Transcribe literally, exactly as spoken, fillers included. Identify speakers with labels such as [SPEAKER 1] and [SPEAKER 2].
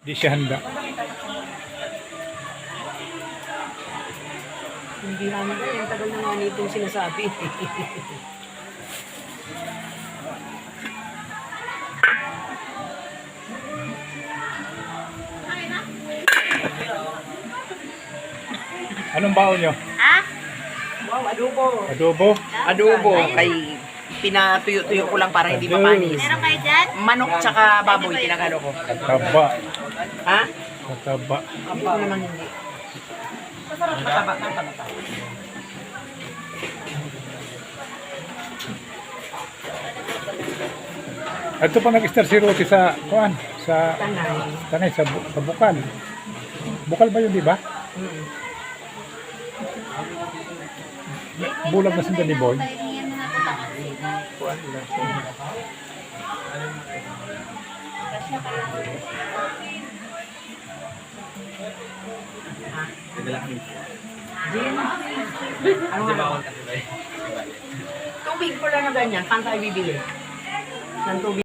[SPEAKER 1] Di siya handa.
[SPEAKER 2] Hindi namin na, yung tagal na nga nitong sinasabi.
[SPEAKER 1] Anong baon nyo?
[SPEAKER 3] Ah?
[SPEAKER 2] Wow, adobo.
[SPEAKER 1] Adobo?
[SPEAKER 2] Adobo, kay pinatuyo-tuyo ko lang para hindi mapanis.
[SPEAKER 3] Meron kayo dyan?
[SPEAKER 2] Manok tsaka baboy, tinagano ko.
[SPEAKER 1] Kataba.
[SPEAKER 2] Ha?
[SPEAKER 1] Kataba.
[SPEAKER 2] Hindi ko naman hindi. Masarap mataba ng panata.
[SPEAKER 1] Ito pa nag-star si Ruti sa, kuan, sa,
[SPEAKER 2] Tanay.
[SPEAKER 1] tanay, sa, bu- sa bukal. Bukal ba yun, di ba?
[SPEAKER 2] Mm.
[SPEAKER 1] Bulag na sinda ni Boy.
[SPEAKER 3] Pahingian mo na ito.
[SPEAKER 2] Kuwan lang.
[SPEAKER 3] Kasya pa lang.
[SPEAKER 2] Gin? Ano nga? Tubig pala na ganyan, saan tayo bibili? Ng tubig.